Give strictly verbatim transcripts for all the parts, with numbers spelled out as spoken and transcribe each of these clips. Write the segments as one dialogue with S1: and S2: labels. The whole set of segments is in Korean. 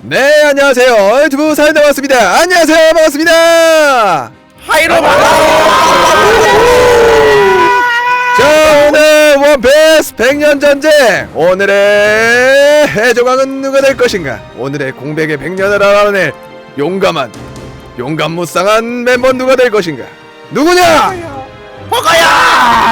S1: 네, 안녕하세요. 유튜브 사연 나왔습니다. 안녕하세요, 반갑습니다.
S2: 하이로
S1: 자, 오늘 원피스 백 년 전쟁. 오늘의 해적왕은 누가 될 것인가? 오늘의 공백의 백 년을 알아낼 용감한, 용감무쌍한 멤버 누가 될 것인가? 누구냐?
S2: 버거야!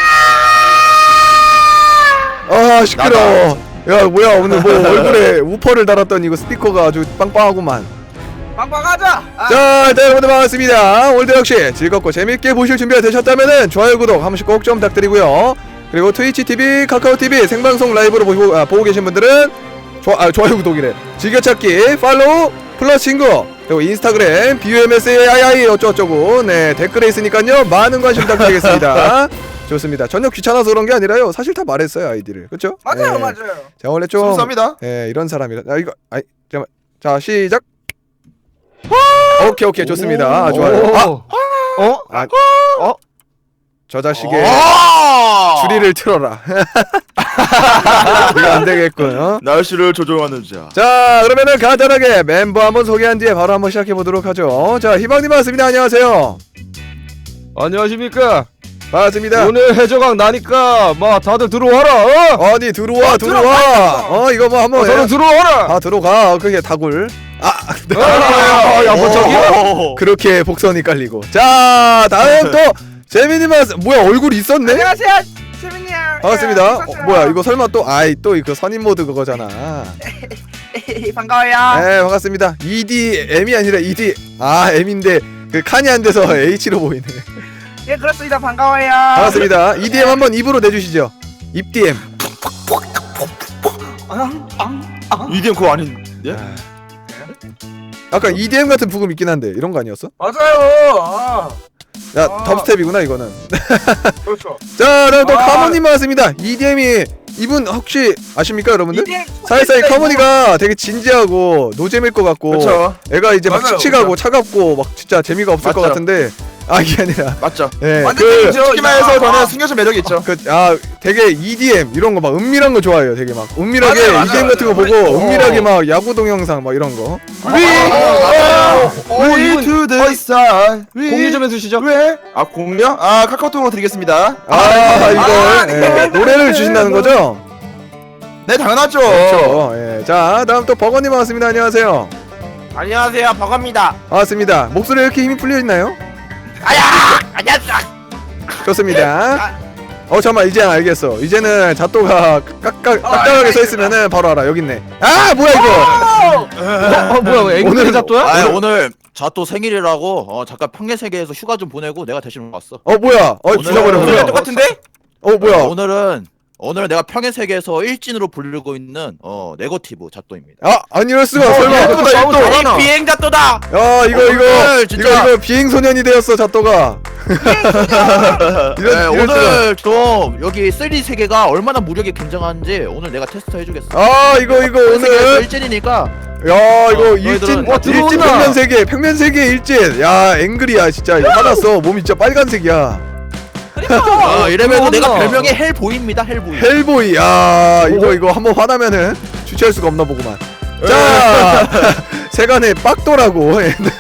S1: 아, 시끄러워. 야, 뭐야, 오늘 뭐 얼굴에 우퍼를 달았더니 이거 스피커가 아주 빵빵하구만.
S2: 빵빵하자! 아.
S1: 자, 일단 여러분들 반갑습니다. 오늘도 역시 즐겁고 재밌게 보실 준비가 되셨다면은 좋아요, 구독 한 번씩 꼭 좀 부탁드리고요. 그리고 트위치티비, 카카오티비 생방송 라이브로 보시고, 아, 보고 계신 분들은 좋아, 아, 좋아요, 구독이래. 즐겨찾기, 팔로우, 플러스 친구, 그리고 인스타그램, 비유엠에스에이아이아이 어쩌고저쩌고, 네, 댓글에 있으니까요. 많은 관심 부탁드리겠습니다. 좋습니다. 전혀 귀찮아서 그런 게 아니라요. 사실 다 말했어요, 아이디를. 그쵸?
S2: 맞아요,
S1: 네.
S2: 맞아요.
S1: 제가 원래 좀.
S2: 감사합니다.
S1: 예, 이런 사람이라. 아, 이거, 아이, 잠깐만. 자, 시작. 오케이, 오케이, 좋습니다. 아, 좋아요. 아,
S2: 어?
S1: 아,
S2: 어?
S1: 저 자식의
S2: 아!
S1: 줄이를 틀어라. 이거 안 되겠군. 어?
S3: 날씨를 조종하는 자.
S1: 자, 그러면은 간단하게 멤버 한번 소개한 뒤에 바로 한번 시작해 보도록 하죠. 자, 희방님 반갑습니다. 안녕하세요.
S4: 안녕하십니까.
S1: 반갑습니다.
S4: 오늘 해적왕 나니까 막 다들 들어와라. 어?
S1: 어디 들어와,
S2: 어,
S1: 들어와. 어, 이거 뭐 한번.
S4: 어, 다들 들어와라.
S1: 아, 들어가. 그게 다굴. 아,
S4: 어, 야, 야, 뭐 저기요?
S3: 오.
S1: 그렇게 복선이 깔리고. 자, 다음 또 재민님 반갑. 뭐야, 얼굴 있었네?
S2: 안녕하세요, 세민이야.
S1: 반갑습니다.
S2: 예,
S1: 어, 뭐야, 이거 설마 또 아이 또 그 선임 모드 그거잖아.
S2: 반가워요.
S1: 네, 반갑습니다. 이디 M이 아니라 이디 아 M인데 그 칸이 안 돼서 H로 보이네.
S2: 예, 그렇습니다. 반가워요.
S1: 반갑습니다. 이디엠 한번 입으로 내주시죠. 입디엠.
S3: 이디엠 그거 아닌데?
S1: 아까 이디엠 같은 부금 있긴 한데 이런 거 아니었어?
S2: 맞아요. 아,
S1: 야,
S2: 아.
S1: 덥스텝이구나 이거는.
S2: 그렇죠.
S1: 자, 그럼 또
S2: 아.
S1: 카모님 반갑습니다. 이디엠이 이분 혹시 아시습니까, 여러분들?
S2: 이게
S1: 사이사이 카모니가 되게 진지하고 노잼일 것 같고
S3: 그렇죠.
S1: 애가 이제 막
S2: 맞아요,
S1: 칙칙하고 차갑고 막 진짜 재미가 없을 것
S3: 맞죠.
S1: 같은데 아, 이게 아니라
S3: 맞죠.
S1: 예,
S2: 완전
S1: 그,
S2: 재밌죠.
S3: 듣기만 해서
S2: 아.
S3: 저는 숨겨진 매력이 있죠.
S1: 그, 아, 되게 이디엠 이런 거 막 은밀한 거 좋아해요. 되게 막 은밀하게
S2: 맞아요, 맞아요,
S1: 이디엠 같은 거
S2: 맞아요.
S1: 보고
S2: 우리-
S1: 은밀하게 막 야구 동영상 막 이런 거.
S3: We
S2: 어,
S4: 어,
S3: We
S4: 이분
S3: to the side. We-
S4: 공유 좀 해주시죠.
S3: 왜? 아 공요? 아 카카오톡으로 드리겠습니다.
S1: 아, 이걸
S2: 아,
S1: 예,
S2: 네.
S1: 노래를 주신다는 거죠?
S3: 네 당연하죠.
S1: 그렇죠. 예. 자, 다음 또 버거님 반갑습니다. 안녕하세요.
S2: 안녕하세요, 버거입니다.
S1: 반갑습니다. 목소리 이렇게 힘이 풀려 있나요?
S2: 아야, 안녕하세요.
S1: 좋습니다. 어, 잠깐만, 이제 알겠어. 이제는 잣도가 깍깍 깍깍하게 서 있으면은 바로 알아. 여기 있네. 아, 뭐야 이거?
S4: 어, 뭐야, 앵글
S1: 오늘-
S4: 잡도야?
S5: 아 오늘 자또 생일이라고 어 잠깐 평행 세계에서 휴가 좀 보내고 내가 대신 왔어.
S1: 어, 뭐야? 어,
S5: 오늘-
S1: 죽여버렸어.
S5: 오늘
S2: 똑같은데?
S1: 어, 뭐야?
S5: 오늘은 오늘 내가 평행 세계에서 일진으로 불리고 있는 어 네거티브 자또입니다.
S1: 아, 아니럴 수가.
S4: 어,
S1: 설마.
S4: 야, 그거 싸움 잘하나?
S2: 비행자 또다.
S1: 야, 이거
S5: 어,
S1: 이거
S5: 오늘 진짜-
S1: 이거 이거 비행 소년이 되었어, 잣도가. 이런,
S5: 네,
S1: 이런 수가.
S5: 오늘 좀 여기 쓰리 세계가 얼마나 무력이 굉장한지 오늘 내가 테스트 해주겠어.
S1: 아, 이거 이거
S5: 세계에서
S1: 오늘
S5: 일진이니까
S1: 야, 이거
S5: 어,
S1: 일진
S5: 너희들은-
S4: 와,
S1: 일진
S4: 들어오나?
S1: 평면 세계, 평면 세계 일진. 야, 앵글이야, 진짜. 이거 화났어. 몸이 진짜 빨간색이야.
S5: 어, 이래봬도 내가
S4: 들어오나?
S5: 별명이 헬보이입니다. 헬보이.
S1: 헬보이. 야, 이거 이거 한번 화나면은 주체할 수가 없나 보구만. 자, 세간의 빡도라고.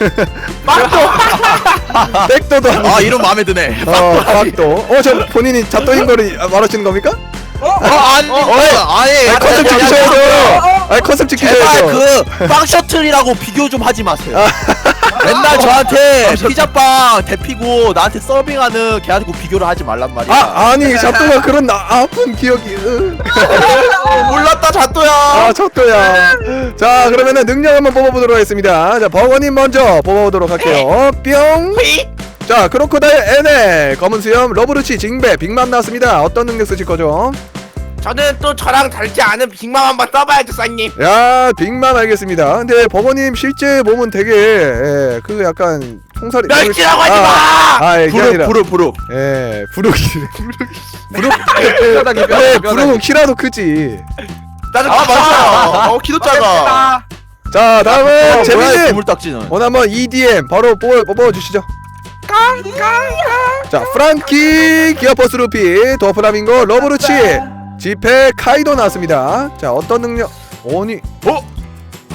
S1: 빡도. 백도도 아니고.
S5: 아 이름 마음에 드네.
S1: 어, 빡도. 어, 저 본인이 잣도인 거를 말하시는 겁니까?
S2: 어?
S5: 어 아니 어, 아니
S1: 아니, 컨셉 지키셔야죠. 아니, 컨셉
S5: 제발
S1: 지키셔야죠.
S5: 그 빵 셔틀이라고 비교 좀 하지 마세요. 맨날 저한테 피자빵 대피고 나한테 서빙하는 걔한테 비교를 하지 말란 말이야.
S1: 아, 아니, 잣도가 그런 나, 아픈 기억이. 으.
S3: 어, 몰랐다 자또야.
S1: 아, 잣도야. 자, 그러면은 능력 한번 뽑아보도록 하겠습니다. 자, 버거님 먼저 뽑아보도록 할게요. 뿅. 자, 크로코다일 엔엘, 검은 수염, 러브루치, 징배, 빅맘 나왔습니다. 어떤 능력 쓰실 거죠?
S2: 저는 또 저랑 닮지 않은 빅맘 한번 써봐야죠, 쌍님.
S1: 야, 빅맘 알겠습니다. 근데 버거님 실제 몸은 되게 예, 그 약간 총살이
S2: 멸치라고 하지
S1: 아,
S2: 마.
S1: 아, 이게
S3: 부룩
S1: 아니라
S3: 부룩 부룩.
S1: 예, 부룩이 부룩
S4: 뼈다귀,
S1: 그래,
S4: 뼈다귀,
S1: 부룩은
S4: 뼈다귀.
S1: 키라도 크지.
S2: 나도
S3: 아 맞아. 어 키도 작아.
S1: 자, 다음은
S5: 뭐야
S1: 재민님.
S5: 물딱지는.
S1: 오늘 한번 이디엠 바로 뽑아, 뽑아주시죠. 자, 프랑키, 기어버스 루피, 도프라밍고, 러브루치, 지페, 카이도 나왔습니다. 자, 어떤 능력? 아니,
S3: 어?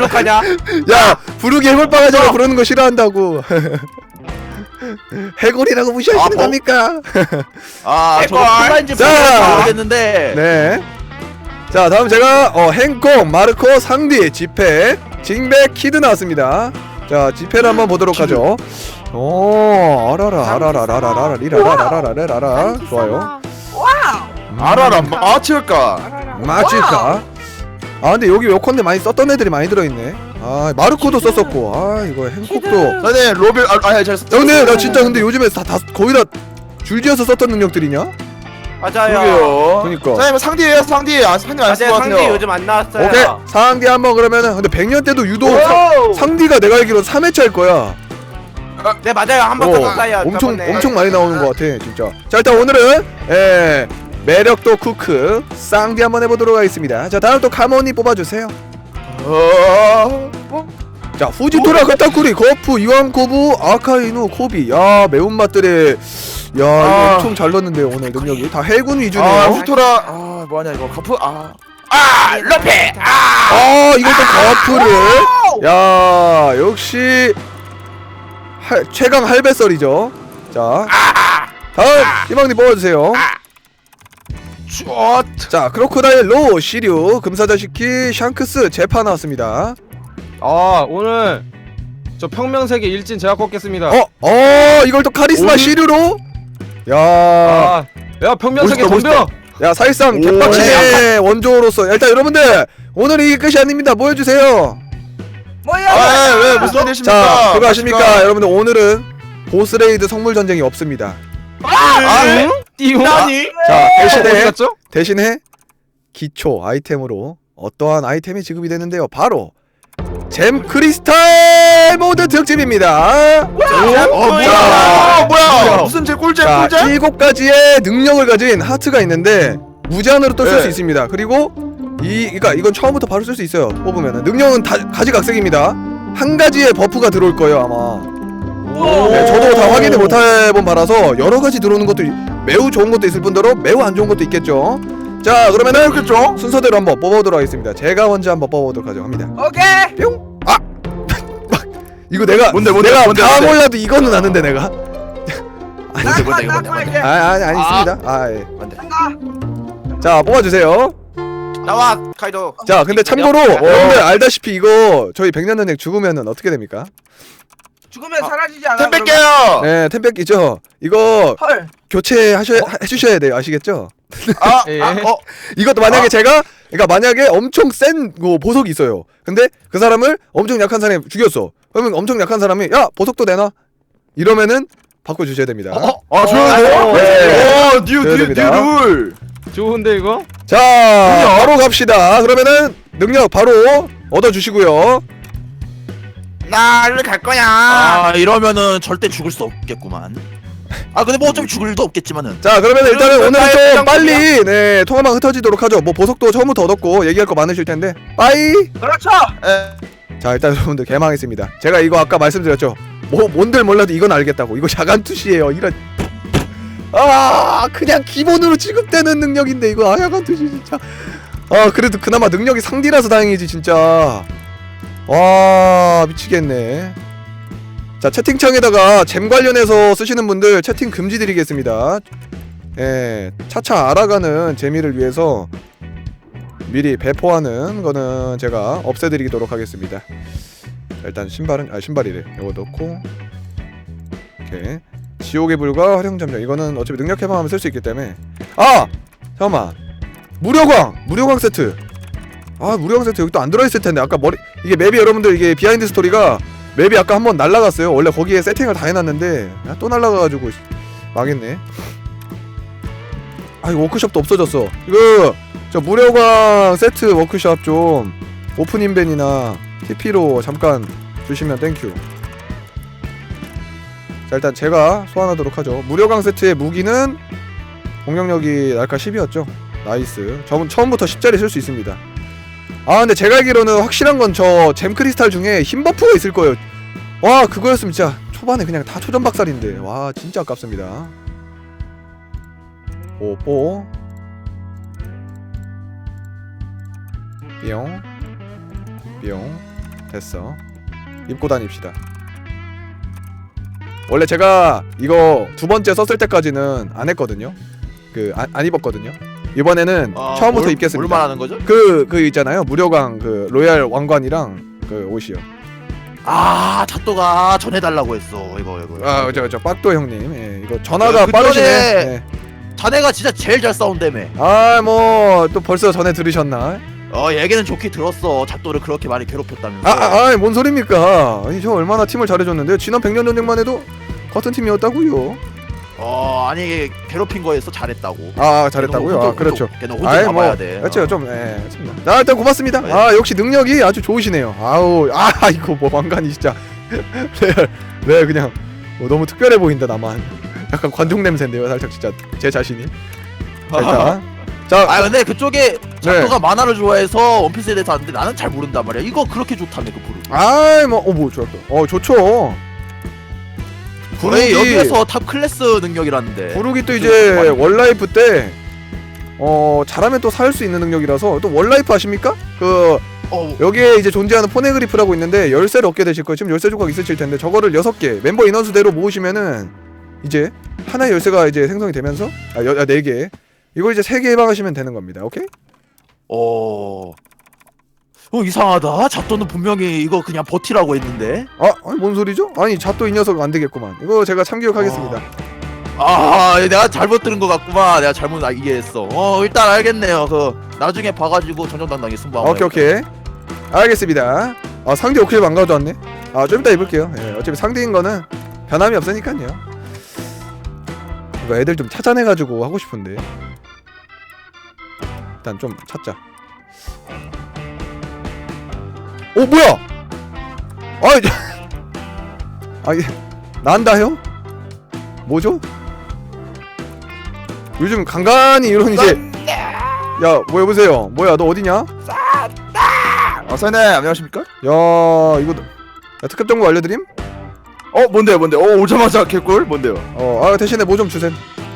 S2: 부족하냐?
S1: 야 부르기 해골바가지가 부르는 거 싫어한다고. 해골이라고 무시하시는
S5: 아, 뭐?
S1: 겁니까?
S5: 아 저거
S2: 해골.
S5: 플라인지
S1: 자.
S5: 모르겠는데.
S1: 네. 자 다음 제가 어 행콩, 마르코, 상디, 지페, 징백, 키드 나왔습니다. 자 지페를 한번 보도록 하죠. 오 아라라 아라라라라라 리라라라라라라 좋아요.
S3: 알아라 마칠까.
S1: 맞을까? 아 근데 여기 요컨대 많이 썼던 애들이 많이 들어있네. 아 마르코도 썼었고 아 이거 행콕도.
S3: 나네 로벨 아잘
S1: 야 근데 나 진짜 근데 요즘에 다, 다 거의 다 줄지어서 썼던 능력들이냐?
S2: 맞아요.
S3: 그러게요.
S1: 그니까.
S3: 사장님 상디예요 상디. 아 상디 안
S2: 맞아요.
S3: 쓴것
S2: 상대
S3: 같아요.
S2: 요즘 안 나왔어요.
S1: 오케이 상디 한번 그러면은 근데 백년 때도 유독 사, 상디가 내가 알기로 삼 회차일 거야.
S2: 네 맞아요. 한 번
S1: 어,
S2: 더 썼어요.
S1: 엄청
S2: 저번에.
S1: 엄청 많이 나오는 것 같아 진짜. 자 일단 오늘은 예 매력도 쿠크 쌍디 한번 해보도록 하겠습니다. 자 다음 또 카모니 뽑아주세요.
S3: 어.
S1: 자 후지토라 카타쿠리 거프 이완코부 아카이누 코비 야 매운맛들의 야 이거
S3: 아.
S1: 엄청 잘 넣었는데요 오늘 능력이 다 해군 위주네요.
S3: 아 후토라. 아 뭐하냐 이거 가프. 아.
S2: 아 러페. 아.
S1: 아 이것도 거프를 야 역시 할, 최강 할배설이죠. 자 다음 희망님 뽑아주세요.
S3: 쭈엇.
S1: 자 크로코다일 로 시류 금사자시키 샹크스 제파 나왔습니다.
S4: 아 오늘 저 평명세계 일진 제가 꼽겠습니다.
S1: 어? 어 이걸 또 카리스마
S3: 오늘-
S1: 시류로? 야,
S4: 아, 야 평명세계
S3: 멋있다,
S4: 덤벼.
S1: 야 사실상
S3: 오,
S1: 개빡치네 원조로서. 일단 여러분들 오늘 이게 끝이 아닙니다. 보여주세요.
S3: 아왜 무슨 일 되십니까?
S1: 자 그거 아십니까 여러분들 오늘은 보스레이드 성물 전쟁이 없습니다.
S3: 아 네?
S4: 띠용.
S2: 나니?
S1: 자
S4: 어디
S1: 대신에
S4: 갔죠?
S1: 대신에 기초 아이템으로 어떠한 아이템이 지급이 되는데요. 바로 잼 크리스탈 모드 특집입니다.
S3: 어 뭐야? 어, 뭐야? 무슨 제 꿀잼
S1: 자
S3: 꿀잼?
S1: 일곱 가지의 능력을 가진 하트가 있는데 무제한으로 또 쓸 수
S3: 네.
S1: 있습니다. 그리고 이 그러니까 이건 처음부터 바로 쓸 수 있어요. 뽑으면 능력은 다 가지각색입니다. 한 가지의 버프가 들어올 거예요 아마. 네, 저도 다 확인을 못 해본 바라서 여러 가지 들어오는 것도 매우 좋은 것도 있을 뿐더러 매우 안 좋은 것도 있겠죠. 자 그러면은
S3: 그렇겠죠?
S1: 순서대로 한번 뽑아보도록 하겠습니다. 제가 먼저 한번 뽑아보도록 하죠. 갑니다.
S2: 오케이.
S1: 뿅. 아 이거 내가
S3: 뭔데, 뭔데,
S1: 내가
S3: 뭔데,
S1: 다
S3: 뭔데?
S1: 몰라도 이거는 아는데 내가.
S3: 뭔데 뭔데 뭔데 뭔데?
S1: 아 아니 아니 있습니다. 아 예.
S3: 뭔데?
S1: 자 뽑아주세요.
S2: 나와 카이도.
S1: 자 근데 참고로 여러분들 알다시피 이거 저희 백년 전쟁 죽으면은 어떻게 됩니까?
S2: 죽으면 사라지지 않아.
S3: 템 뺄게요.
S1: 네 템백이죠. 이거
S2: 헐.
S1: 교체하셔야 해주셔야 돼요. 아시겠죠?
S3: 아,
S4: 예.
S3: 아, 어,
S1: 이것도 만약에
S3: 아.
S1: 제가 그러니까 만약에 엄청 센 뭐 보석이 있어요. 근데 그 사람을 엄청 약한 사람이 죽였어. 그러면 엄청 약한 사람이 야 보석도 내놔 이러면은 바꿔주셔야 됩니다.
S3: 아, 줘야
S1: 네.
S3: 돼? 오, 뉴,
S1: 줘야
S3: 뉴,
S1: 됩니다.
S3: 뉴 룰.
S4: 좋은데 이거?
S1: 자 바로 갑시다. 그러면은 능력 바로 얻어주시고요.
S2: 나를 갈 거야.
S5: 아 이러면은 절대 죽을 수 없겠구만. 아 근데 뭐 어차피 죽을 일도 없겠지만은.
S1: 자 그러면 일단은
S2: 그럼
S1: 오늘은 좀
S2: 빨리
S1: 빨리 네 통화만 흩어지도록 하죠. 뭐 보석도 처음부터 얻었고 얘기할 거 많으실 텐데 빠이.
S2: 그렇죠.
S3: 에,
S1: 자 일단 여러분들 개망했습니다. 제가 이거 아까 말씀드렸죠. 뭐 뭔들 몰라도 이건 알겠다고. 이거 야간투시예요. 이런 아 그냥 기본으로 지급되는 능력인데 이거 아 야간투시 진짜. 아 그래도 그나마 능력이 상디라서 다행이지 진짜. 와 미치겠네. 자 채팅창에다가 잼 관련해서 쓰시는 분들 채팅 금지 드리겠습니다. 예 차차 알아가는 재미를 위해서 미리 배포하는 거는 제가 없애드리도록 하겠습니다. 자, 일단 신발은 아 신발이래. 이거 넣고 이렇게 지옥의 불과 활용 잠정 이거는 어차피 능력 해방하면 쓸 수 있기 때문에 아 잠깐만 무료광 무료광 세트. 아 무료광 세트 여기 또 안 들어있을 텐데. 아까 머리 이게 맵이 여러분들 이게 비하인드 스토리가 맵이 아까 한번 날라갔어요. 원래 거기에 세팅을 다 해놨는데 야, 또 날라가가지고 망했네. 아 이거 워크숍도 없어졌어. 이거 저 무료광 세트 워크숍 좀 오픈 인벤이나 티피로 잠깐 주시면 땡큐. 자 일단 제가 소환하도록 하죠. 무료광 세트의 무기는 공격력이 날카 십이었죠. 나이스. 저는 처음부터 십짜리 쓸 수 있습니다. 아 근데 제가 알기로는 확실한 건 저 잼크리스탈 중에 힘 버프가 있을 거예요. 와 그거였으면 진짜 초반에 그냥 다 초전박살인데. 와 진짜 아깝습니다. 뽀뽀 뿅 뿅 됐어. 입고 다닙시다. 원래 제가 이거 두 번째 썼을 때까지는 안 했거든요. 그 안 안 입었거든요. 이번에는
S5: 아,
S1: 처음부터
S5: 뭘,
S1: 입겠습니다.
S5: 뭘 말하는 거죠?
S1: 그, 그 있잖아요. 무료광 그 로얄 왕관이랑 그 옷이요.
S5: 아 잣도가 전해달라고 했어. 이거 이거.
S1: 아, 저, 저 빡도 형님. 예, 이거 전화가
S5: 그
S1: 빠르시네.
S5: 전에-
S1: 예.
S5: 자네가 진짜 제일 잘 싸운다며.
S1: 아, 뭐 또 벌써 전에 들으셨나?
S5: 어 얘기는 좋게 들었어. 잣도를 그렇게 많이 괴롭혔다면서.
S1: 아, 아, 아, 뭔 소리입니까? 아니, 저 얼마나 팀을 잘해줬는데 지난 백 년 전쟁만 해도 같은 팀이었다고요.
S5: 어 아니 괴롭힌 거에서 잘했다고.
S1: 아, 잘했다고요. 아, 그렇죠.
S5: 걔는 혼자
S1: 아이,
S5: 가봐야
S1: 뭐,
S5: 돼.
S1: 그렇죠.
S5: 어.
S1: 좀, 예, 맞습니다. 아, 일단 고맙습니다.
S5: 네.
S1: 아, 역시 능력이 아주 좋으시네요. 아우, 아, 이거 뭐 왕관이 진짜 레알, 레알 그냥 뭐 너무 특별해 보인다 나만. 약간 관중 냄새인데요, 살짝 진짜 제 자신이. 자, 일단, 자,
S5: 아 근데 그쪽에
S1: 네.
S5: 잣도가 만화를 좋아해서 원피스에 대해서 아는데 나는 잘 모른단 말이야. 이거 그렇게 좋다며 그 부르.
S1: 아이 뭐, 어, 뭐 좋았다. 어, 좋죠.
S5: 그래
S1: 부르기,
S5: 여기에서 탑 클래스 능력이라는데.
S1: 부르기 또 이제 원라이프 때, 어, 잘하면 또 살 수 있는 능력이라서 또 원라이프 아십니까? 그
S5: 어,
S1: 여기에 이제 존재하는 포네그리프라고 있는데 열쇠를 얻게 되실 거예요. 지금 열쇠 조각 있으실 텐데 저거를 여섯 개 멤버 인원수대로 모으시면은 이제 하나의 열쇠가 이제 생성이 되면서 아, 여, 아, 네 개. 이걸 이제 세 개 해방하시면 되는 겁니다. 오케이?
S5: 어. 어 이상하다. 잣도는 분명히 이거 그냥 버티라고 했는데.
S1: 아, 아니 뭔 소리죠? 아니 잣도 이 녀석 안 되겠구만. 이거 제가 참교육하겠습니다.
S5: 아, 내가 잘못 들은 것 같구만. 내가 잘못 아, 이해했어. 어, 일단 알겠네요. 그 나중에 봐가지고 정정당당히 순방.
S1: 오케이 오케이. 알겠습니다. 아 상대 오클립 안 가져왔네. 아 좀 이따 입을게요. 예, 어차피 상대인 거는 변함이 없으니까요. 이거 애들 좀 찾아내가지고 하고 싶은데 일단 좀 찾자. 오 뭐야? 아이 아 이게 난다요? 뭐죠? 요즘 간간히 이런 이제 야 뭐 여보세요 뭐야 너 어디냐?
S3: 어 사장님 안녕하십니까?
S1: 야 이거 야, 특급 정보 알려드림?
S3: 어 뭔데요 뭔데? 어 오자마자 개꿀 뭔데요?
S1: 어아 대신에 뭐 좀 주셈.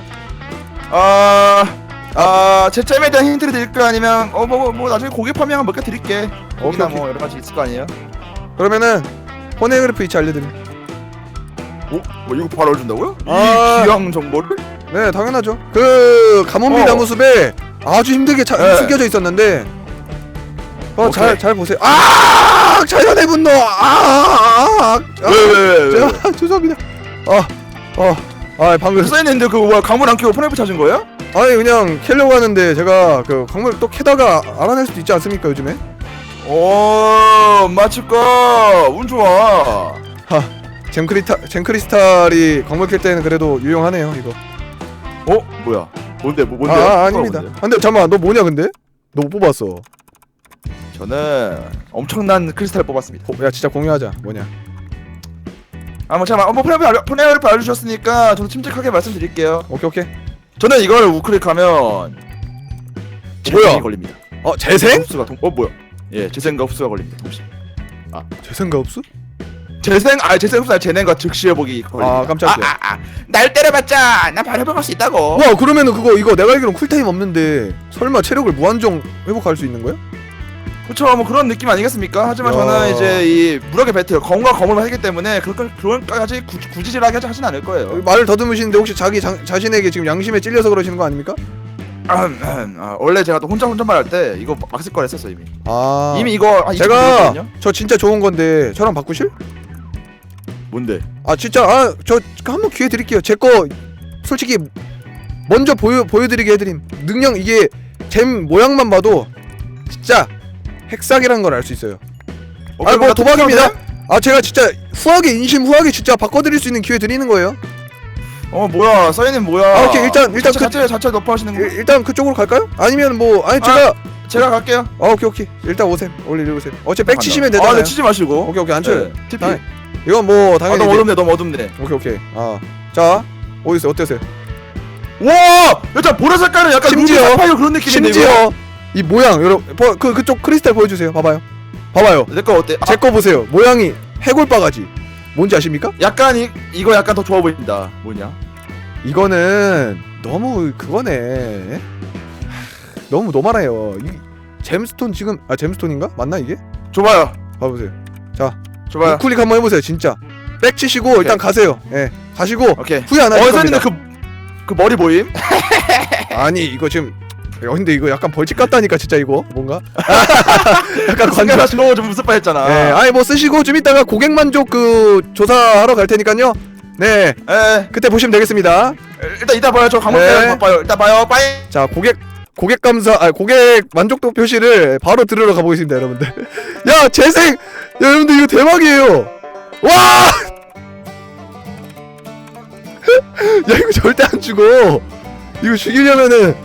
S3: 아아제 잼에 대한 힌트를 드릴까 아니면 어 뭐 뭐 나중에 고기 파밍한 몇 개 드릴게. 거기나
S1: 오케이.
S3: 뭐 여러 가지 있을 거 아니에요?
S1: 그러면은 포네그래프 위치 알려드림.
S3: 어? 뭐 이거 바로 알려준다고요?
S1: 아.
S3: 이 귀한 정보를?
S1: 네 당연하죠. 그 가문비
S3: 어.
S1: 나무 숲에 아주 힘들게 차,
S3: 네.
S1: 숨겨져 있었는데 어 잘 잘
S3: 오케이.
S1: 보세요. 아 자연의 분노. 아아아
S3: 왜왜왜 왜?
S1: 제가 죄송합니다. 아어아 방금
S3: 사장님인데 그 뭐야 강물 안 끼고 포네프 찾은 거예요?
S1: 아니 그냥 캐려고 하는데 제가 그 강물 또 캐다가 알아낼 수도 있지 않습니까 요즘에?
S3: 오 마치까 운 좋아.
S1: 잼크리타 잼크리스탈이 광물 캘 때는 그래도 유용하네요 이거.
S3: 어 뭐야? 뭔데 뭐 뭔데?
S1: 아, 아 아닙니다. 아, 근데 잠깐만 너 뭐냐 근데? 너 못 뽑았어.
S3: 저는 엄청난 크리스탈 뽑았습니다.
S1: 고, 야 진짜 공유하자. 뭐냐?
S3: 아 뭐 잠깐만 어, 뭐 포네프 알려 포네프 알려주셨으니까 저도 침착하게 말씀드릴게요.
S1: 오케이 오케이.
S3: 저는 이걸 우클릭하면 재생이 걸립니다.
S1: 어 재생?
S3: 흡수가 동... 어 뭐야? 예, 재생과 흡수가 걸립니다. 동시.
S1: 재생가 없어?
S3: 재생 아 재생 흡수 아니 재생과 즉시 회복이 걸립니다.
S1: 아 깜짝이야.
S2: 아, 아, 날 때려봤자 난 바로 회복할 수 있다고.
S1: 와 그러면은 그거 이거 내가 알기로는 쿨타임 없는데 설마 체력을 무한정 회복할 수 있는 거야?
S3: 그렇죠, 뭐 그런 느낌 아니겠습니까? 하지만
S1: 야.
S3: 저는 이제 이 무력의 배틀 검과 검을만 했기 때문에 그걸 그런까지 굳이 굳이질하게 하지 하진 않을 거예요.
S1: 말을 더듬으시는데 혹시 자기 자, 자신에게 지금 양심에 찔려서 그러시는 거 아닙니까?
S3: 아, 원래 제가 또 혼자 혼잣말 할 때 이거 막 쓸 걸 했었어 이미.
S1: 아
S3: 이미 이거 한 이십 분
S1: 제가
S3: 들었거든요?
S1: 저 진짜 좋은 건데 저랑 바꾸실?
S3: 뭔데?
S1: 아 진짜 아 저 한번 기회 드릴게요. 제 거 솔직히 먼저 보여 보여드리게 해드림. 능력 이게 잼 모양만 봐도 진짜 핵사기라는 걸 알 수 있어요.
S3: 어,
S1: 아 뭐
S3: 그럼
S1: 도박입니다. 아 제가 진짜 후하게 인심 후하게 진짜 바꿔드릴 수 있는 기회 드리는 거예요.
S3: 어 뭐야 사인님 뭐야?
S1: 아, 오케이, 일단- 일단
S3: 자체
S1: 그-
S3: 자체 자체 너프 하시는 거?
S1: 일, 일단 그쪽으로 갈까요? 아니면 뭐 아니 제가
S3: 제가 갈게요.
S1: 아 오케이 오케이 일단 오셈 원래 오셈 어차피 백 치시면
S3: 아,
S1: 되잖아요.
S3: 네 치지 마시고.
S1: 오케이 오케이 안 쳐요.
S3: 네, 티피.
S1: 당연- 이건 뭐
S3: 아
S1: 당연히
S3: 너무
S1: 이제-
S3: 어둡네 너무 어둡네.
S1: 오케이 오케이 아자 어디 있어요 어떠세요?
S3: 와 일단 보라 색깔은 약간
S1: 심지어-
S3: 루비 사파이어 그런 느낌인데
S1: 심지어 이 모양 여러분 버- 그 그쪽 크리스탈 보여주세요. 봐봐요. 봐봐요.
S3: 내거 어때? 아,
S1: 제 거 보세요. 모양이 해골바가지. 뭔지 아십니까?
S3: 약간 이 이거 약간 더 좋아 보인다. 뭐냐?
S1: 이거는 너무 그거네. 하, 너무 노말해요. 이 잼스톤 지금 아 잼스톤인가? 맞나 이게?
S3: 좋아요.
S1: 봐보세요.
S3: 좋아요.
S1: 우클릭 한번 해보세요. 진짜 백 치시고 일단 가세요. 예 가시고
S3: 오케이.
S1: 후회 안 하실
S3: 어 사인님
S1: 겁니다.
S3: 그그 머리 보임?
S1: 아니 이거 지금 어, 근데 이거 약간 벌칙 같다니까 진짜 이거 뭔가 약간 관절.
S3: 관계하신 거좀 무섭다 했잖아.
S1: 네, 아니 뭐 쓰시고 좀 이따가 고객 만족 그 조사하러 갈 테니까요. 네,
S3: 에
S1: 그때 보시면 되겠습니다.
S3: 일단 이따 봐요. 저 강목
S1: 네.
S3: 때문에 바빠요. 이따 봐요. 빠이.
S1: 자, 고객 고객 감사, 아 고객 만족도 표시를 바로 들으러 가보겠습니다, 여러분들. 야, 재생, 야, 여러분들 이거 대박이에요. 와, 야 이거 절대 안 죽어. 이거 죽이려면은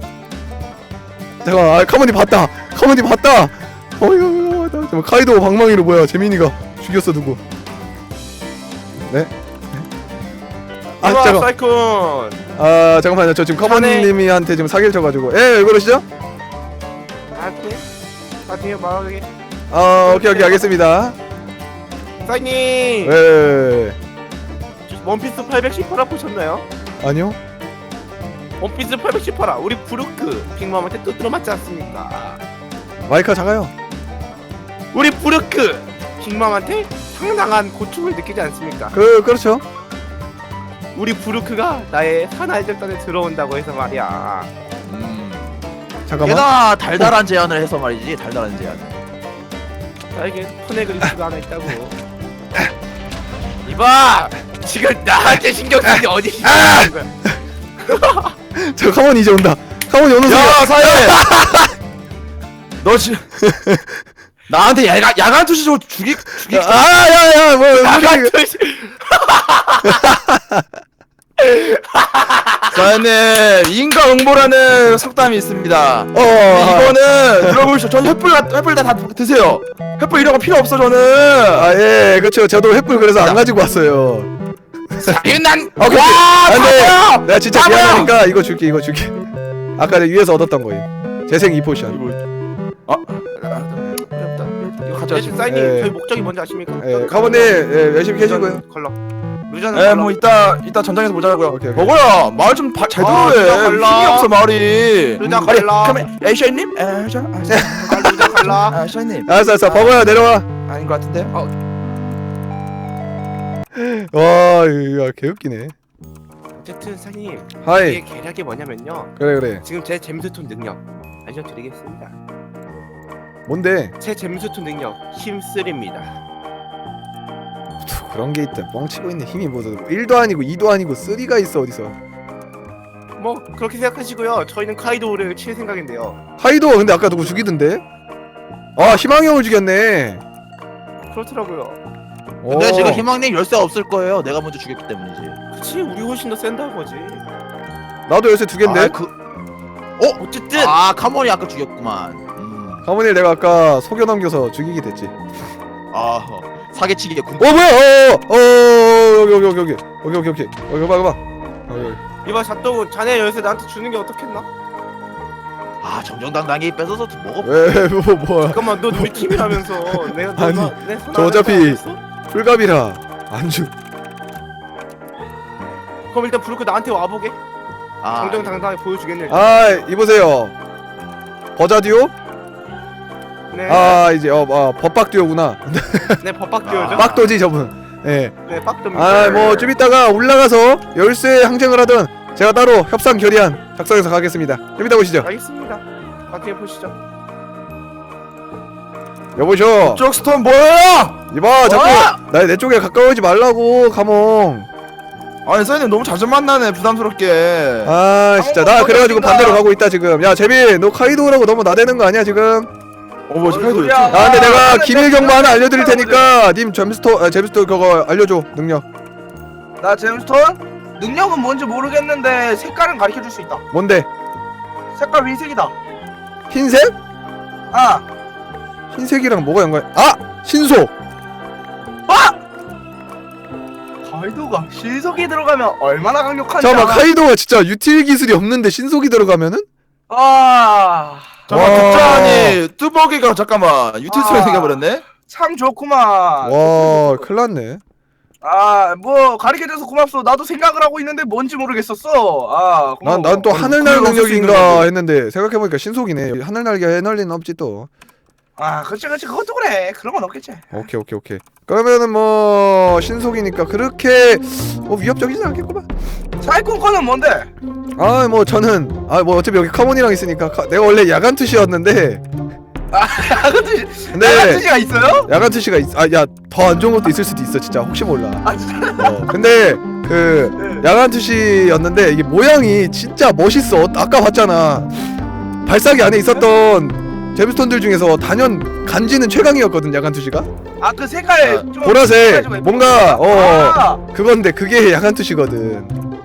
S1: 잠깐, 아 카모니 봤다. 카모니 봤다. 어 이거 이거 나 잠깐 카이도 방망이로 뭐야 재민이가 죽였어 누구? 네? 아
S2: 우와,
S1: 잠깐.
S2: 사이콘.
S1: 아 잠깐만요. 저 지금 카모님한테 지금 사기를 쳐가지고. 예, 왜 그러시죠?
S2: 나한테 나한테 말하게.
S1: 아 오케이 오케이 알겠습니다.
S2: 사장님.
S1: 예.
S2: 원피스 팔백십 팔아 보셨나요?
S1: 아니요.
S2: 원피스 팔백십 팔아 우리 브루크 빅맘한테 또 들어맞지 않습니까?
S1: 마이크가 작아요.
S2: 우리 브루크 빅맘한테 상당한 고충을 느끼지 않습니까?
S1: 그 그렇죠.
S2: 우리 브루크가 나의 산알적단에 들어온다고 해서 말이야.
S5: 음.
S1: 잠깐만.
S5: 게다가 달달한 제안을 해서 말이지. 달달한 제안.
S2: 나에게 톤의 그리스가 하나 있다고. 이봐! 지금 나한테 신경 쓰지 어디 신경 쓰는 거야?
S1: 저 카모니 이제 온다. 카모니 오는 소리.
S3: 야 사인. 너 지금 나한테 야간 야간 투시 좀 죽이 죽이.
S1: 아야야 뭐.
S2: 나간
S1: 무슨-
S2: 뜻이
S3: 사인님 인과 응보라는 속담이 있습니다.
S1: 어.
S3: 이거는 들어보시죠. 전 횃불 횃불 다, 다 드세요. 횃불 이런 거 필요 없어 저는.
S1: 아 예, 그렇죠. 저도 횃불 그래서 안 가지고 왔어요.
S2: 사윤난
S1: 아 근데
S3: 와,
S1: 근데
S3: 바보야!
S1: 내가 진짜
S3: 바보야!
S1: 미안하니까 이거 줄게 이거 줄게. 아까 내가 위에서 얻었던 거예요. 재생 이 포션.
S3: 이거 아, 아, 이거 가져가시고.
S2: 사인님
S1: 예.
S2: 저희 목적이 뭔지 아십니까?
S1: 예, 카모니 예, 열심히 캐시고요.
S2: 걸러. 루저는
S3: 에,
S2: 걸러.
S3: 뭐 이따 이따 전장에서 보자고요.
S1: 오케이, 오케이.
S3: 먹어야 마을 좀 잘
S2: 아,
S3: 들어해.
S2: 진짜
S3: 힘이
S2: 갈라.
S3: 없어 마을이.
S2: 루저
S3: 음,
S2: 갈라.
S3: 그러면 에이샤님, 에이샤,
S2: 아, 루저 갈라.
S3: 아, 샤님
S1: 알았어 알았어. 버거야 내려와.
S3: 아닌 것 같은데. 어,
S1: 와 이거 개웃기네.
S2: 어쨌든 사장님
S1: 하이.
S2: 이게 계략이 뭐냐면요.
S1: 그래 그래.
S2: 지금 제 잼스톤 능력 알려드리겠습니다.
S1: 뭔데?
S2: 제 잼스톤 능력 힘쓰리입니다.
S1: 또 그런 게 있다. 뻥치고 있네. 힘이 뭐 일도 아니고 이도 아니고 쓰리가 있어 어디서?
S2: 뭐 그렇게 생각하시고요. 저희는 카이도우를 칠 생각인데요.
S1: 하이도 근데 아까 누구 죽이던데? 아 희망이 형을 죽였네.
S2: 그렇더라고요.
S5: 근데
S1: 오.
S5: 지금 희망님 열쇠 없을 거예요. 내가 먼저 죽였기 때문이지.
S2: 그치 우리 훨씬 더 센다는 거지.
S1: 나도 열쇠 두 갠데.
S5: 아, 그,
S2: 어쨌든
S5: 아 카모니 아까 죽였구만. 음.
S1: 가문일 내가 아까 속여 넘겨서 죽이게 됐지.
S5: 아 사기치기에 군.
S1: 어 뭐야? 어어 어, 여기 여기 여기 여기 여기 여기 여기 여기 봐 여기 봐. 여기 여기.
S2: 이봐 잣동은 자네 열쇠 나한테 주는 게 어떻겠나?
S5: 아 정정당당히 뺏어서 먹어.
S1: 왜뭐 뭐야?
S2: 잠깐만 너 우리 팀이라면서 내가
S1: 아니,
S2: 너가 내 손
S1: 저
S2: 안에
S1: 어차피-
S2: 손 안 댔어?
S1: 풀갑이라 안 죽.
S2: 그럼 일단 부르크 나한테 와보게.
S5: 아,
S2: 정정당당하게 보여주겠네. 일단.
S1: 아 이보세요. 버자듀오?
S2: 네,
S1: 아 이제 어, 어 법박듀오구나.
S2: 네 법박듀오죠.
S5: 아.
S1: 빡도지 저분. 예.
S2: 네 빡도입니다.
S1: 아 뭐 좀 이따가 올라가서 열쇠 항쟁을 하던 제가 따로 협상 결의안 작성해서 가겠습니다. 좀 이따 보시죠.
S2: 알겠습니다. 나중에 보시죠.
S1: 여보쇼.
S3: 쪽 스톤 뭐야?
S1: 이봐 자꾸 나 내 쪽에 가까워지 말라고 가몽.
S3: 아니 써니님 너무 자주 만나네 부담스럽게.
S1: 아 진짜 나 그래가지고 반대로 가고 있다 지금. 야 재민 너 카이도라고 너무 나대는 거 아니야 지금?
S3: 어 뭐지
S6: 뭔
S3: 카이도.
S6: 소리야.
S1: 아 근데 내가
S6: 아,
S1: 기밀
S6: 근데
S1: 정보 하나
S6: 내가
S1: 알려드릴
S6: 내가
S1: 테니까 님 잼스토 아, 잼스토 그거 알려줘 능력.
S6: 나 제임스톤 능력은 뭔지 모르겠는데 색깔은 가르쳐 줄 수 있다.
S1: 뭔데?
S6: 색깔 흰색이다.
S1: 흰색?
S6: 아,
S1: 흰색이랑 뭐가 연관? 아 신속.
S6: 카이도가 신속이 들어가면 얼마나 강력한지.
S1: 잠깐만
S6: 알아?
S1: 카이도가 진짜 유틸 기술이 없는데 신속이 들어가면은?
S6: 아,
S3: 잠깐
S1: 와.
S3: 듣자니 뚜벅이가 잠깐만 유틸스가
S6: 아.
S3: 생겨버렸네.
S6: 참 좋구만.
S1: 와 큰일났네.
S6: 아, 뭐 가르쳐줘서 고맙소. 나도 생각을 하고 있는데 뭔지 모르겠었어. 아, 고마워.
S1: 난 난 또
S3: 아니,
S1: 하늘 날
S3: 그걸 쓸수 있는
S1: 능력인가
S3: 건데.
S1: 했는데 생각해보니까 신속이네. 하늘 날개 해널리는 없지 또.
S6: 아, 그렇지, 그렇지. 그것도 그래. 그런 건 없겠지.
S1: 오케이 오케이 오케이. 그러면은 뭐 신속이니까 그렇게 뭐 위협적이진 않겠구만.
S6: 사이콘 거는 뭔데?
S1: 아 뭐 저는 아 뭐 어차피 여기 카몬이랑 있으니까 카, 내가 원래 야간 투시였는데
S6: 야간투시,
S1: 근데
S6: 야간투시가 있어요?
S1: 야간 투시가 있, 아야 더 안 좋은 것도 있을 수도 있어 진짜 혹시 몰라.
S6: 아, 진짜.
S1: 어, 근데 그 야간 투시였는데 이게 모양이 진짜 멋있어. 아까 봤잖아. 발사기 안에 있었던 제임스톤들 중에서 단연 간지는 최강이었거든 야간 투시가.
S6: 아, 그 색깔
S3: 아,
S6: 좀
S1: 보라색
S6: 해가지고 예쁜
S1: 뭔가
S6: 거.
S1: 어
S6: 아,
S1: 그건데 그게 야간 투시거든.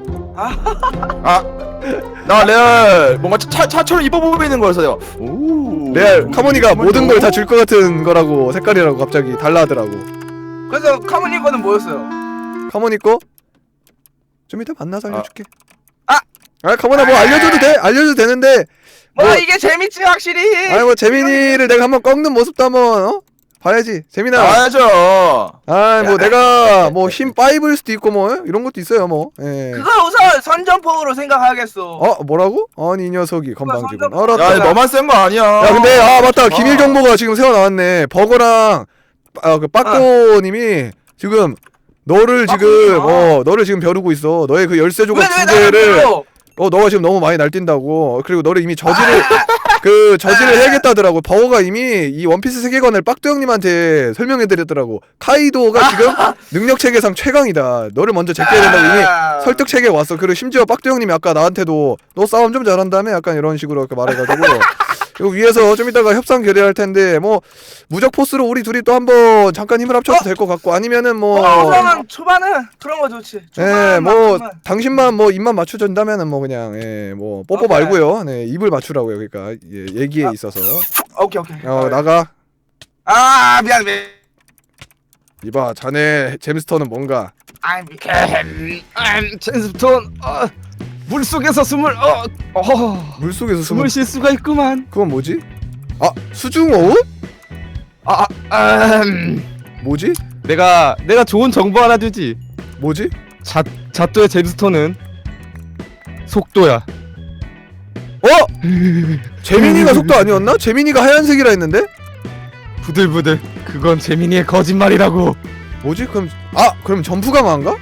S3: 나 레알 뭔가 차 차처럼 입어 보이는 거여서 내가 오.
S1: 레알 카모니가
S3: 정말
S1: 모든 걸 다
S3: 너무-
S1: 줄 것 같은 거라고 색깔이라고 갑자기 달라 하더라고.
S6: 그래서 카모니 거는 뭐였어요?
S1: 카모니 거? 좀 이따 만나서 알려줄게.
S6: 아!
S1: 아 카모나 뭐 알려줘도 돼? 알려줘도 되는데
S6: 뭐,
S1: 뭐-
S6: 이게 재밌지 확실히.
S1: 아니 뭐 재민이를 내가 한번 꺾는 모습도 한번 어? 봐야지. 재민아.
S3: 나야죠.
S1: 아 뭐 내가 뭐 힘 파이브일 수도 있고 뭐 이런 것도 있어요 뭐. 예.
S6: 그거 우선 선전포로 생각하겠어.
S1: 어 뭐라고? 아니 이 녀석이 건방지군.
S6: 성적-
S1: 알았다.
S3: 야 너만 센 거 아니야.
S1: 야 근데 아 맞다
S3: 아.
S1: 기밀 정보가 지금 새어 나왔네. 버거랑 아 그 빠꼬님이 지금 너를 지금
S6: 빠꼬님아.
S1: 어 너를 지금 벼르고 있어. 너의 그 열쇠 조각
S6: 왜왜
S1: 두
S6: 나를
S1: 개를
S6: 불러?
S1: 어 너가 지금 너무 많이 날뛴다고. 그리고 너를 이미 저지를 그 저지를 해야겠다더라고. 버거가 이미 이 원피스 세계관을 빡도 형님한테 설명해드렸더라고. 카이도가 지금 능력 체계상 최강이다. 너를 먼저 제껴야 된다고 이미
S6: 아.
S1: 설득 체계 왔어. 그리고 심지어 빡도 형님이 아까 나한테도 너 싸움 좀 잘한다며 약간 이런 식으로 이렇게 말해가지고 이거 위에서 좀 이따가 협상 결의할 텐데 뭐 무적 포스로 우리 둘이 또 한번 잠깐 힘을 합쳐도
S6: 어?
S1: 될 것 같고 아니면은 뭐
S6: 뭐 우선은 초반은 그런 거 좋지.
S1: 예, 뭐
S6: 초반만큼은.
S1: 당신만 뭐 입만 맞춰준다면은 뭐 그냥 예, 뭐 뽀뽀
S6: 오케이.
S1: 말고요. 네, 입을 맞추라고요. 그러니까 예, 얘기에
S6: 아.
S1: 있어서
S6: 오케이 오케이.
S1: 어 나가.
S6: 아 미안 미안.
S1: 이봐 자네 잼스터는 뭔가
S6: 아 미안.
S4: 음, 제임스톤 어, 물 속에서 숨을 어, 어
S1: 물속에서
S4: 숨을
S1: 숨을
S4: 쉴 수가 있구만.
S1: 그건 뭐지? 아 수중호흡?
S4: 아, 아 음.
S1: 뭐지?
S4: 내가 내가 좋은 정보 하나 주지.
S1: 뭐지?
S4: 자 자또의 제임스톤은 속도야.
S1: 어? 재민이가 속도 아니었나? 재민이가 하얀색이라 했는데?
S4: 부들부들. 그건 재민이의 거짓말이라고.
S1: 뭐지? 그럼 아 그럼 점프 강화인가?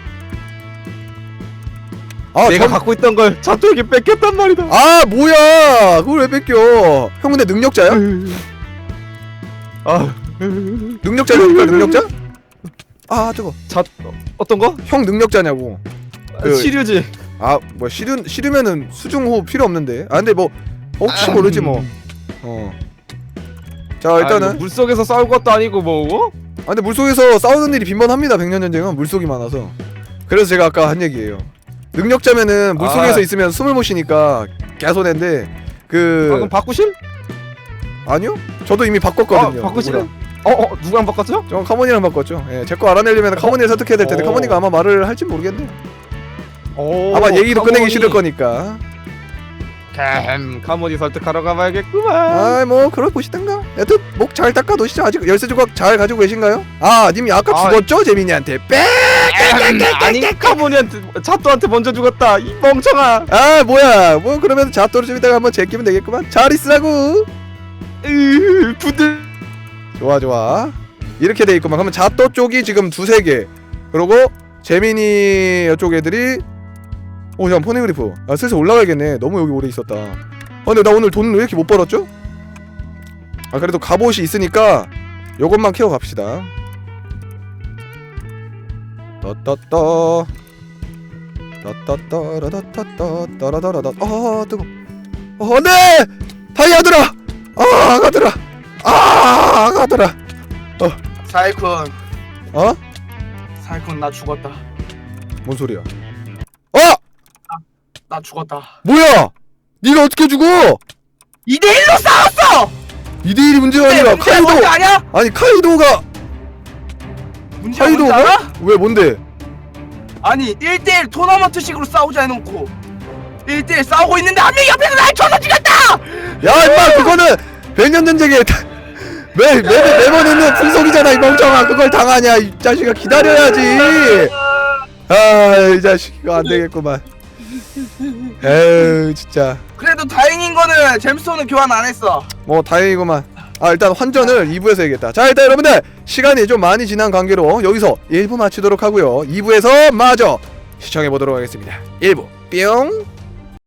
S1: 아
S4: 내가
S1: 점-
S4: 갖고 있던 걸 자또에게 뺏겼단 말이다.
S1: 아 뭐야 그걸 왜 뺏겨? 형 근데 능력자야?
S4: 아,
S1: 능력자니까 능력자? 아 저거
S4: 자 어떤 거?
S1: 형 능력자냐고. 그-
S4: 치료지.
S1: 아 뭐 시류 시류면은 수중호흡 필요 없는데. 아 근데 뭐 혹시 모르지 뭐. 어. 자 일단은
S4: 물 속에서 싸울 것도 아니고 뭐. 어?
S1: 아 근데 물속에서 싸우는 일이 빈번합니다. 백년 전쟁은 물속이 많아서. 그래서 제가 아까 한 얘기예요. 능력자면은 물속에서
S4: 아.
S1: 있으면 숨을 못 쉬니까 개손해인데
S4: 아,
S1: 그
S4: 그럼 바꾸실?
S1: 아니요? 저도 이미 바꿨거든요.
S4: 아, 바꾸실래?
S1: 누구랑.
S4: 어, 어, 누구랑 바꿨죠?
S1: 저 카모니랑 바꿨죠. 예, 제 거 알아내려면 카모니를 설득해야 될 텐데
S4: 어.
S1: 카모니가 아마 말을 할지 모르겠네.
S4: 오,
S1: 아마 얘기도 꺼내기
S4: 카모니.
S1: 싫을 거니까.
S4: 캠, 카모니 설득하러 가봐야겠구만.
S1: 아, 뭐 그럴 보시던가. 여튼 목 잘 닦아 놓으시죠. 아직 열쇠 조각 잘 가지고 계신가요? 아, 님이 아까
S4: 아.
S1: 죽었죠, 재민이한테. 빼.
S4: 아니, 카모니한테, 자또한테 먼저 죽었다. 이 멍청아.
S1: 아, 뭐야? 뭐 그러면 자또를 좀 이따가 한번 제끼면 되겠구만. 잘 있으라고.
S4: 으, 부들.
S1: 좋아, 좋아. 이렇게 돼 있구만. 그러면 자또 쪽이 지금 두세 개. 그리고 재민이 이쪽 애들이. 오, 잠깐 포네그리프. 아, 슬슬 올라가야겠네. 너무 여기 오래 있었다. 아, 근데 나 오늘 돈 왜 이렇게 못 벌었죠? 아, 그래도 갑옷이 있으니까 요것만 키워 갑시다. 떠떠떠. 따따따라따따따라따라따. 아 뜨거. 어 안돼. 다이아들아. 아 가들아. 아 가들아.
S6: 사이콘
S1: 어?
S6: 사이콘 나 죽었다.
S1: 뭔 소리야? 어?
S6: 나 죽었다.
S1: 뭐야? 네가 어떻게 죽어?
S6: 이 대 일로 싸웠어.
S1: 이 대 일이 문제가 아니라
S6: 문제가
S1: 카이도.
S6: 뭔지 아냐?
S1: 아니 카이도가
S6: 문제가 뭔지
S1: 카이도가
S6: 알아?
S1: 왜 뭔데?
S6: 아니 일 대 일 토너먼트식으로 싸우자 해놓고 일 대 일 싸우고 있는데 한 명이 옆에서 날 쳐서 죽였다!
S1: 야 임마 그거는 백년 전쟁에 매, 매, 매번 있는 풍속이잖아 이 멍청아. 그걸 당하냐 이 자식아. 기다려야지. 아 이 자식 이거 안되겠구만. 에휴 진짜
S6: 그래도 다행인 거는 잼스톤은 교환 안 했어.
S1: 뭐 다행이구만. 아 일단 환전을 이 부에서 해야겠다. 자 일단 여러분들 시간이 좀 많이 지난 관계로 여기서 일 부 마치도록 하고요. 이 부에서 마저 시청해보도록 하겠습니다. 일 부 뿅.